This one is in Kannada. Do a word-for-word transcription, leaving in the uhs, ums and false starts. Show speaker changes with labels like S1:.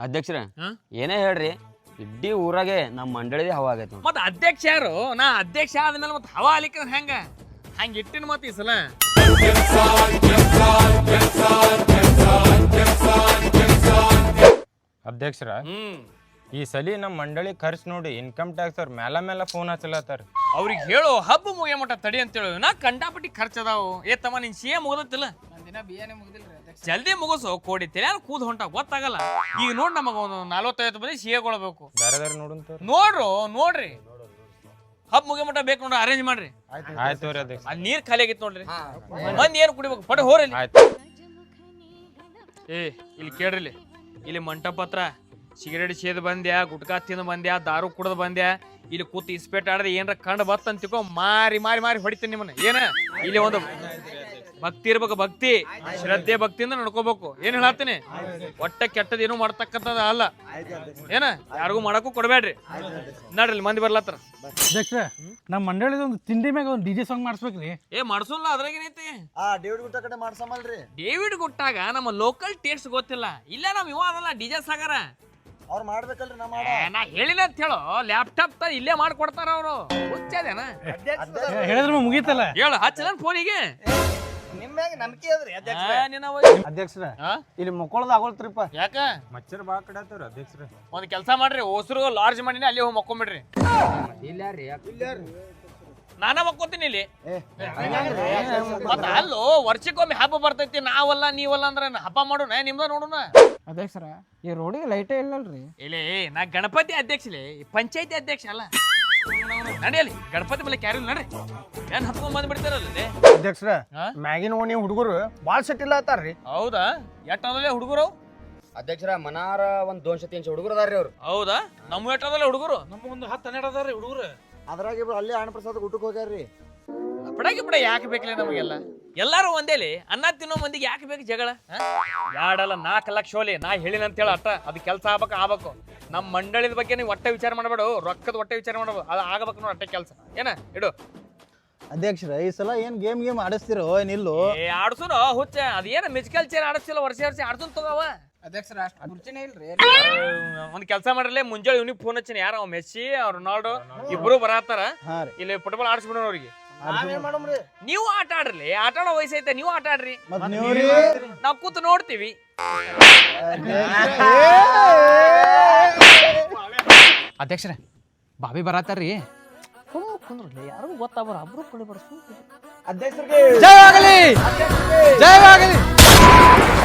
S1: ಅಧ್ಯಕ್ಷರ ಏನೇ ಹೇಳ್ರಿ ಇಡ್ಡಿ ಊರಾಗೆ ನಮ್ಮ ಮಂಡಳಿದೇ ಹವಾ ಆಗೈತೆ
S2: ಮತ್ತ ಅಧ್ಯಕ್ಷ ಯಾರು ನಾ ಅಧ್ಯಕ್ಷ ಆದ್ಮೇಲೆ ಮತ್ತೆ ಹವಾ ಅಲಿಕ ಹೆಂಗ ಹಂಗ ಇಟ್ಟಿನ ಮತ್ತ ಈ ಸಲ
S3: ಅಧ್ಯಕ್ಷರ ಈ ಸಲಿ ನಮ್ಮ ಮಂಡಳಿ ಖರ್ಚು ನೋಡಿ ಇನ್ಕಮ್ ಟ್ಯಾಕ್ಸ್ ಅವ್ರ ಮೇಲ ಮೇಲೆ ಫೋನ್ ಹಚ್ಚಲತ್ತಾರ
S2: ಅವ್ರಿಗೆ ಹೇಳು ಹಬ್ಬ ಮುಗಿಯ ಮಟ್ಟ ತಡಿ ಅಂತೇಳು ನಾ ಕಂಡಾಪಟ್ಟಿ ಖರ್ಚು ಅದಾವು ಏ ತಮ್ಮ ನಿನ್ ಸಿ ಎ ಮುಗ್ದತ್ತಿಲ್ಲ ಜಲ್ದಿ ಮುಗಿಸು ಕೋಡಿ ತೆಲ್ಯಾನ ಕೂದ್ ಹೊಂಟ ಗೊತ್ತಾಗಲ್ಲ ಈಗ ನೋಡ್ ನಮಗ ಒಂದು ನಲ್ವತ್ತೈವತ್ತು ಮಂದಿ ಸಿ ಎಗೊಳ್ಬೇಕು
S3: ಬೇರೆ ಬೇರೆ ನೋಡುಂತ
S2: ನೋಡ್ರು ನೋಡ್ರಿ ಹಬ್ಬ ಮುಗಿಯ ಮಟ್ಟ ಬೇಕು ನೋಡ್ರಿ ಅರೇಂಜ್ ಮಾಡ್ರಿ
S3: ಆಯ್ತು ರೀ ಅಧ್ಯಕ್ಷ
S2: ಅಲ್ಲಿ ನೀರ್ ಖಾಲಿ ಆಗಿತ್ತು ನೋಡ್ರಿ ಮಂದಿ ಏನ್ ಕುಡಿಬೇಕು ಪಡೆ ಹೋರಿ
S3: ಆಯ್ತು
S2: ಏ ಇಲ್ಲಿ ಕೇಳ್ರಿ ಇಲ್ಲಿ ಮಂಟಪ ಹತ್ರ ಸಿಗರೇಟ್ ಸೇದ್ ಬಂದ್ಯಾ ಗುಟ್ಕಾ ತಿಂದು ಬಂದ್ಯಾ ದಾರು ಕುಡ್ದು ಬಂದ್ಯಾ ಇಲ್ಲಿ ಕೂತು ಇಸ್ಪೇಟ್ ಆಡ್ದೆ ಏನ್ರ ಕಂಡು ಬತ್ತಂತ ತಿಳ್ಕೊ ಮಾರಿ ಮಾರಿ ಮಾರಿ ಹೊಡಿತೀನಿ ನಿಮ್ಮನ್ನ ಏನ ಇಲ್ಲಿ ಒಂದು ಭಕ್ತಿ ಇರ್ಬೇಕು ಭಕ್ತಿ ಶ್ರದ್ಧೆ ಭಕ್ತಿಯಿಂದ ನಡ್ಕೋಬೇಕು ಏನ್ ಹೇಳತ್ತೀನಿ ಒಟ್ಟ ಕೆಟ್ಟದೇನು ಮಾಡ್ತಕ್ಕಂಥದ ಅಲ್ಲ ಏನ ಯಾರಿಗೂ ಮಾಡಕ್ಕೂ ಕೊಡ್ಬೇಡ್ರಿ ನಡ್ರಿ ಮಂದಿ ಬರ್ಲತ್ತಾರ
S4: ಅಧ್ಯಕ್ಷ ನಮ್ಮ ಮಂಡಳಿದ ಒಂದು ತಿಂಡಿ ಮ್ಯಾಗ ಒಂದು ಡಿಜೆ ಸಾಂಗ್ ಮಾಡಿಸ್ಬೇಕ್ರಿ
S2: ಏ ಮಾಡ್ಸೋಲ್ಲ ಅದ್ರಾಗ ಏನೈತಿ
S5: ಆ ಡೇವಿಡ್ ಗುಟ್ಟ ಕಡೆ ಮಾಡ್ಸಮಲ್ರಿ
S2: ಡೇವಿಡ್ ಗುಟ್ಟಾಗ ನಮ್ಮ ಲೋಕಲ್ ಟೇಸ್ಟ್ ಗೊತ್ತಿಲ್ಲ ಇಲ್ಲ ನಮ್ ಇವ ಅದಲ್ಲ ಡಿಜೆ ಸಾಗರ
S5: ಅವ್ರು ಮಾಡ್ಬೇಕಲ್ರಿ ನಾ ಮಾಡ
S2: ನಾ ಹೇಳಿಲ್ಲ ಅಂತ ಹೇಳು ಲ್ಯಾಪ್ಟಾಪ್ ತ ಇಲ್ಲೇ ಮಾಡ್ಕೊಡ್ತಾರ ಅವರು ಹುಚ್ಚದೇನ
S4: ಹೇಳಿದ್ರೆ ಮುಗೀತಲ್ಲ
S2: ಹೇಳು ಹಚ್ಚಲ ಫೋನಿಗೆ
S5: ನಿಮ್ಮ್ಯಾಗ ನಂಬಿಕೆ ಅದ್ರಿ
S4: ಅಧ್ಯಕ್ಷರ ಇಲ್ಲಿ ಮುಕ್ಕೊಳದ ಆಗೋಲ್ತ್ರಿಪ್ಪ
S2: ಯಾಕ
S3: ಮಚ್ಚರ್ ಬಾ ಕಡೆ ಆತವ್ರ ಅಧ್ಯಕ್ಷರ
S2: ಒಂದ್ ಕೆಲಸ ಮಾಡ್ರಿ ಹೊಸರು ಲಾರ್ಜ್ ಮಾಡಿನಿ ಅಲ್ಲಿ ಹೋಗಿ ಮಕ್ಕೊಂಬಿಡ್ರಿ ನಾನ ಮಕ್ಕೋತೀನಿ ಇಲ್ಲಿ ಮತ್ತ ಅಲ್ಲೋ ವರ್ಷಕ್ಕೊಮ್ಮೆ ಹಬ್ಬ ಬರ್ತೈತಿ ನಾವಲ್ಲ ನೀವಲ್ಲ ಅಂದ್ರೆ ಹಬ್ಬ ಮಾಡೋಣ ನಿಮ್ದ ನೋಡೋಣ
S4: ಅಧ್ಯಕ್ಷರ ಈ ರೋಡಿಗೆ ಲೈಟೇ ಇಲ್ಲಲ್ರಿ
S2: ಇಲ್ಲಿ ನಾ ಗಣಪತಿ ಅಧ್ಯಕ್ಷಲೇ ಪಂಚಾಯತಿ ಅಧ್ಯಕ್ಷ ಅಲ್ಲ ನಡಿಯಲಿ ಗಣಪತಿ ಬಳಿ ಕ್ಯಾರಿ ನಡ್ರಿ ಏನ್ ಹತ್ಕೊಂಡ್ ಬಂದ್ ಬಿಡ್ತಾರಲ್ಲ
S4: ಅಧ್ಯಕ್ಷರ ಮ್ಯಾಗಿನ ಓಣಿ ಹುಡುಗರು ಬಾಳ್ ಸೆಟ್ ಇಲ್ಲ ಅತ್ತಾರ್ರಿ
S2: ಹೌದಾ ಎಟ್ಟದಲ್ಲೇ ಹುಡುಗರು
S1: ಅಧ್ಯಕ್ಷರ ಮನಾರ ಒಂದ್ ದೋನ್ಶೆ ತೀನ್ಶೆ ಹುಡುಗರು ಅದಾರ್ರಿ ಅವ್ರು
S2: ಹೌದಾ ನಮ್ಮ ಎಟ್ಟದಲ್ಲೇ ಹುಡುಗರು
S4: ನಮ್ಮ ಒಂದು ಹತ್ತು ಹನ್ನೆರಡು ಅದಾರ್ರಿ ಹುಡುಗರು
S5: ಅದ್ರಾಗ ಇಬ್ರು ಅಲ್ಲೇ ಹಣ ಪ್ರಸಾದ ಊಟಕ್ಕೆ ಹೋಗ್ಯಾರ್ರಿ
S2: ಪಡಾಕಿ ಪಡ ಯಾಕೆ ಬೇಕಲೇ ನಮಗೆಲ್ಲ ಎಲ್ಲಾರು ಒಂದೇಲಿ ಅನ್ನ ತಿನ್ನೋ ಮಂದಿಗೆ ಯಾಕೆ ಬೇಕು ಜಗಳ ಎರಡಲ್ಲ ನಾಲ್ಕು ಲಕ್ಷ ಹೋಲಿ ನಾ ಹೇಳಿನ ಅಂತ ಹೇಳ ಅಟ್ಟ ಅದು ಕೆಲಸ ಆಗ್ಬೇಕು ಆಗ್ಬೇಕು ನಮ್ಮ ಮಂಡಳಿದ ಬಗ್ಗೆ ನೀವು ಒಟ್ಟೆ ವಿಚಾರ ಮಾಡಬೇಡು ರೊಕ್ಕದ ಒಟ್ಟೆ ವಿಚಾರ ಮಾಡಬೇಕು ಅದು ಆಗಬೇಕು ನೋಡಿ ಅಟ್ಟೆ ಕೆಲಸ ಏನ ಇಡು
S5: ಅಧ್ಯಕ್ಷರ ಈ ಸಲ ಏನ್ ಗೇಮ್ ಗೇಮ್ ಆಡಿಸ್ತಿರೋ ಏನಿಲ್ಲೋ
S2: ಏ ಆಡ್ಸುನು ಹುಚ್ಚ ಅದೇನ ಮ್ಯೂಸಿಕಲ್ ಚೇರ್ ಆಡಿಸ್ತಿಲ್ಲ ವರ್ಷ ವರ್ಷ ಆಡ್ಸುನ್ ತಗೋವ
S4: ಅಧ್ಯಕ್ಷರ ಅಷ್ಟು ಮುರ್ಚಿನೇ ಇಲ್ರಿ
S2: ಒಂದ್ ಕೆಲಸ ಮಾಡ್ರಲ್ಲೇ ಮುಂಜಾನೆ ಇವ್ನಿಗೆ ಫೋನ್ ಹಚ್ಚಿನ ಯಾರ ಅವ್ ಮೆಸ್ಸಿ ಅವ್ರ ರೊನಾಲ್ಡೋ ಇಬ್ರು ಬರತ್ತಾರ ಇಲ್ಲಿ ಫುಟ್ಬಾಲ್ ಆಡಿಸ್ಬಿಡೋಣ ಅವ್ರಿಗೆ ನೀವು ಆಟ ಆಡ್ರಿ ಆಟ ಆಡೋ ವಯಸ್ಸೈತೆ ನೀವು ಆಟ ಆಡ್ರಿ ನಾವ್ ಕೂತು ನೋಡ್ತೀವಿ
S4: ಅಧ್ಯಕ್ಷರ ಬಾಬಿ ಬರತ್ತಾರ್ರಿ
S2: ಯಾರು ಗೊತ್ತಾಗ್ಬಾರ ಅಬ್ರು ಕೊಡಿ ಬಡ
S5: ಅಧ್ಯಕ್ಷರಿಗೆ
S4: ಜಯವಾಗಲಿ ಜಯವಾಗಲಿ